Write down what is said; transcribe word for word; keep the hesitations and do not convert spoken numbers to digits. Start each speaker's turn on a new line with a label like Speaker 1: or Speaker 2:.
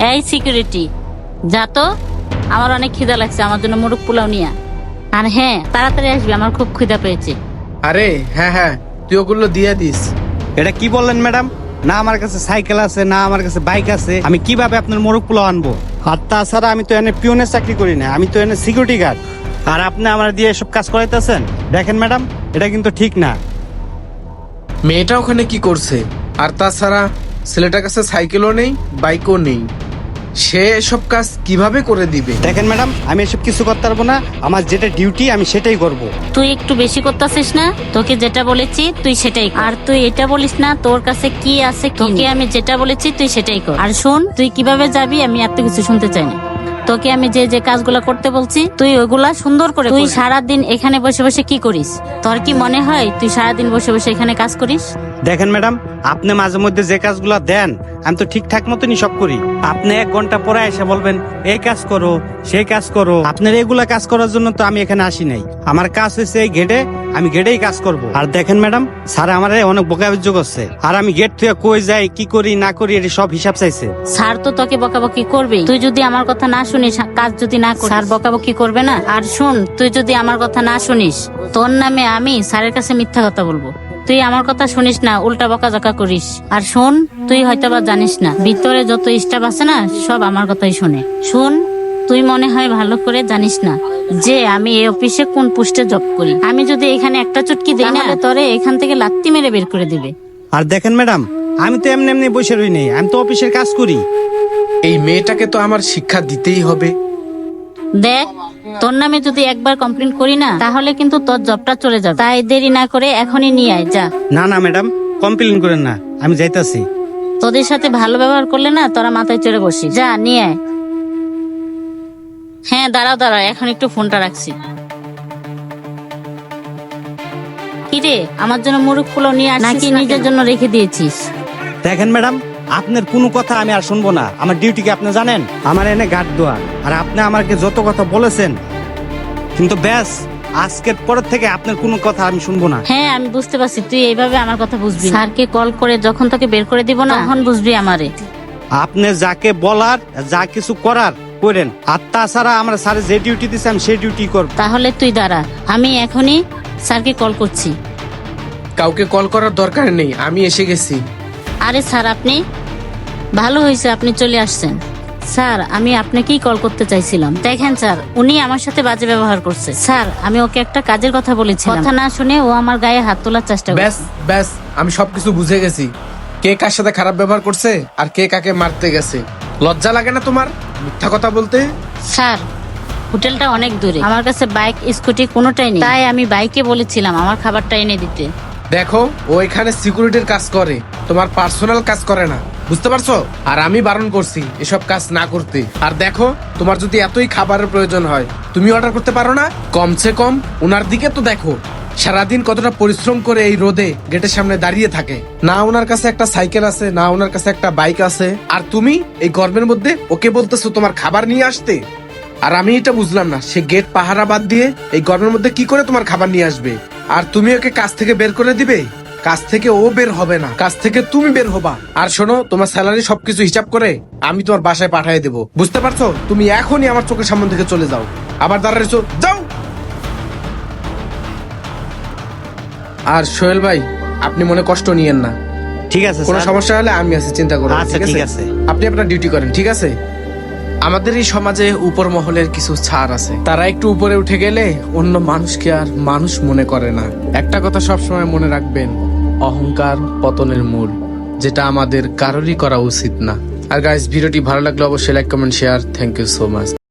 Speaker 1: এই সিকিউরিটি, যা তো, আমার অনেক খিদা লাগছে, আমার জন্য মোরগ পোলাও নিয়ে আয়। আর হ্যাঁ, তাড়াতাড়ি আসবি, আমার খুব খিদা পেয়েছে।
Speaker 2: আরে হ্যাঁ হ্যাঁ, তুই ওগুলো দিয়ে দিস।
Speaker 3: এটা কি বললেন ম্যাডাম? না আমার কাছে সাইকেল আছে, না আমার কাছে বাইক আছে, আমি কিভাবে আপনার মোরগ পোলাও আনবো? আর তাছাড়া আমি তো এনে পিওনের চাকরি করি না, আমি তো এনে সিকিউরিটি গার্ড। আর আপনি আমার দিয়ে এসব কাজ করাইতেছেন? দেখেন ম্যাডাম, এটা কিন্তু ঠিক না।
Speaker 2: মেয়েটা ওখানে কি করছে? আর তাছাড়া ছেলেটার কাছে সাইকেলও নেই, বাইকও নেই, সে এসব কাজ কিভাবে করে দিবে?
Speaker 3: দেখেন ম্যাডাম, আমি এসব কিছু করতে পারবো না, আমার যেটা ডিউটি আমি সেটাই করব।
Speaker 1: তুই একটু বেশি করতেছিস না? তোকে যেটা বলেছি তুই সেটাই কর। আর তুই এটা বলিস না তোর কাছে কি আছে, তোকে আমি যেটা বলেছি তুই সেটাই কর। আর শোন, তুই কিভাবে যাবি আমি এত কিছু শুনতে চাই না। তোকে আমি যে যে কাজগুলো করতে বলছি তুই ওইগুলা সুন্দর করে। তুই সারাদিন এখানে বসে বসে কি করিস? তোর কি মনে হয় তুই সারাদিন বসে বসে এখানে কাজ করিস?
Speaker 3: দেখেন ম্যাডাম, আপনি মাঝে মধ্যে যে কাজগুলো দেন আমি তো ঠিকঠাক মতনই সব করি। আপনি এক ঘন্টা পরে এসে বলবেন এই কাজ করো, সেই কাজ করো। আপনার এগুলা কাজ করার জন্য তো আমি এখানে আসি নাই। আমার কাজ হচ্ছে এই গেটে, আমি গেটেই কাজ করব। আর দেখেন ম্যাডাম, স্যার আমার অনেক বকাবজ্য করছে, আর আমি গেট থেকে কই যাই, কি করি না করি এর সব হিসাব চাইছে।
Speaker 1: স্যার তো তোকে বকাবকি করবে, তুই যদি আমার কথা না শুনিস, কাজ যদি না করিস, স্যার বকাবকি করবে না? আর শুন, তুই যদি আমার কথা না শুনিস, তোর নামে আমি স্যারের কাছে মিথ্যা কথা বলবো। তুই আমার কথা শুনিস না, উল্টা বকাঝকা করিস। আর শোন, তুই হয়তো বা জানিস না, ভিতরে যত স্টাফ আছে না সব আমার কথাই শুনে। শুন, তুই মনে হয় ভালো করে জানিস না যে আমি এই অফিসে কোন পোস্টে জব করি। আমি যদি এখানে একটা চুটকি দিই না, তোরে এখান থেকে লাত্তি মেরে বের করে দিবে।
Speaker 3: আর দেখেন ম্যাডাম, আমি তো এমনি এমনি বসে রই নেই, আমি তো অফিসের কাজ করি।
Speaker 2: এই মেয়েটাকে তো আমার শিক্ষা দিতেই হবে।
Speaker 1: দেখ, তোর নামে যদি একবার কমপ্লেন করি না তাহলে কিন্তু তোর জবটা চলে যাবে। তাই দেরি না করে এখনই নিয়ে আয়, যা।
Speaker 3: না না ম্যাডাম, কমপ্লেন করেন না, আমি যাইতাছি।
Speaker 1: তোদের সাথে ভালো ব্যবহার করলে না তোরা মাথায় চড়ে বসি, যা নিয়ে আয়। হ্যাঁ দাঁড়াও দাঁড়াও, এখন একটু ফোনটা রাখছি। কিরে, আমার জন্য মুরগ পোলাও নিয়ে আসছিস নাকি নিজের জন্য রেখে দিয়েছিস?
Speaker 3: দেখেন ম্যাডাম, আপনার কোনো কথা আমি আর শুনবো না। আমার ডিউটি কি আপনি জানেন? আমার এনে গার্ড দেওয়া। আর আপনি আমাকে যত কথা বলেছেন, কিন্তু ব্যাস আজকের পরের থেকে আপনার কোনো কথা আমি শুনবো না।
Speaker 1: হ্যাঁ আমি বুঝতে পারছি, তুই এইভাবে আমার কথা বুঝবি। স্যারকে কল করে যখন তোকে বের করে দিব না, তখন বুঝবি আমারে।
Speaker 3: আপনি যাকে বলার, যা কিছু করার করেন। আর তাছাড়া আমরা স্যারের যে ডিউটি দিচ্ছে আমি সেই ডিউটি করব।
Speaker 1: তাহলে তুই দাঁড়া, আমি এখনই স্যারকে কল করছি।
Speaker 2: কাউকে কল করার দরকার নেই, আমি এসে গেছি।
Speaker 1: আরে স্যার, আপনি ভালো হয়েছে আপনি চলে আসছেন। স্যার, আমি আপনাকেই কল করতে চাইছিলাম। দেখেন স্যার, উনি আমার সাথে বাজে ব্যবহার করছে। স্যার, আমি ওকে একটা কাজের কথা বলেছিলাম, কথা না শুনে ও আমার গায়ে হাত তোলার চেষ্টা
Speaker 2: ব্যাস
Speaker 1: করছে।
Speaker 2: ব্যাস, আমি সবকিছু বুঝে গেছি। কে কার সাথে খারাপ ব্যবহার করছে আর কে কাকে মারতে গেছে। লজ্জা লাগে না তোমার মিথ্যা কথা বলতে?
Speaker 1: স্যার, হোটেলটা অনেক দূরে, আমার কাছে বাইক স্কুটি কোনোটাই নেই, তাই আমি বাইকে বলেছিলাম আমার খাবারটা এনে দিতে।
Speaker 2: দেখো, ও এখানে সিকিউরিটির কাজ করে, তোমার পার্সোনাল কাজ করে না, বুঝতে পারছো? আর আমি বারণ করছি এসব কাজ না করতে। আর দেখো, তোমার যদি এতই খাবারের প্রয়োজন হয় তুমি অর্ডার করতে পারো না? কমসে কম ওনার দিকে তো দেখো, সারাদিন কতটা পরিশ্রম করে এই রোদে গেটের সামনে দাঁড়িয়ে থাকে। না ওনার কাছে একটা সাইকেল আছে, না ওনার কাছে একটা বাইক আছে, আর তুমি এই গরমের মধ্যে ওকে বলতেছো তোমার খাবার নিয়ে আসতে। আর আমি এটা বুঝলাম না, সে গেট পাহারা বাদ দিয়ে এই গরমের মধ্যে কি করে তোমার খাবার নিয়ে আসবে? আর তুমি ওকে কাজ থেকে বের করে দিবে? কাজ থেকে ও বের হবে না, কাজ থেকে তুমি বের হবা। আর শোনো, তোমার স্যালারি সবকিছু হিসাব করে আমি তোমার বাসায় পাঠিয়ে দেবো, বুঝতে পারছো? তুমি এখনই আমার চোখের সামনে থেকে চলে যাও। আবার দাঁড়াইছো, যাও। আর সোহেল ভাই, আপনি মনে কষ্ট নিয়েন না,
Speaker 3: ঠিক আছে
Speaker 2: কোনো
Speaker 3: স্যার।
Speaker 2: সমস্যা হলে আমি আছি, চিন্তা করুন।
Speaker 3: আচ্ছা, ঠিক আছে।
Speaker 2: আপনি আপনার ডিউটি করেন, ঠিক আছে? আমাদের এই সমাজে উপর মহলের কিছু ছাড় আছে, তারা একটু উপরে উঠে গেলে অন্য মানুষকে আর মানুষ মনে করে না। একটা কথা সবসময় মনে রাখবেন, অহংকার পতনের মূল, যেটা আমাদের কারোরই করা উচিত না। আর গাইস, ভিডিওটি ভালো লাগলে অবশ্যই like comment share. Thank you so much.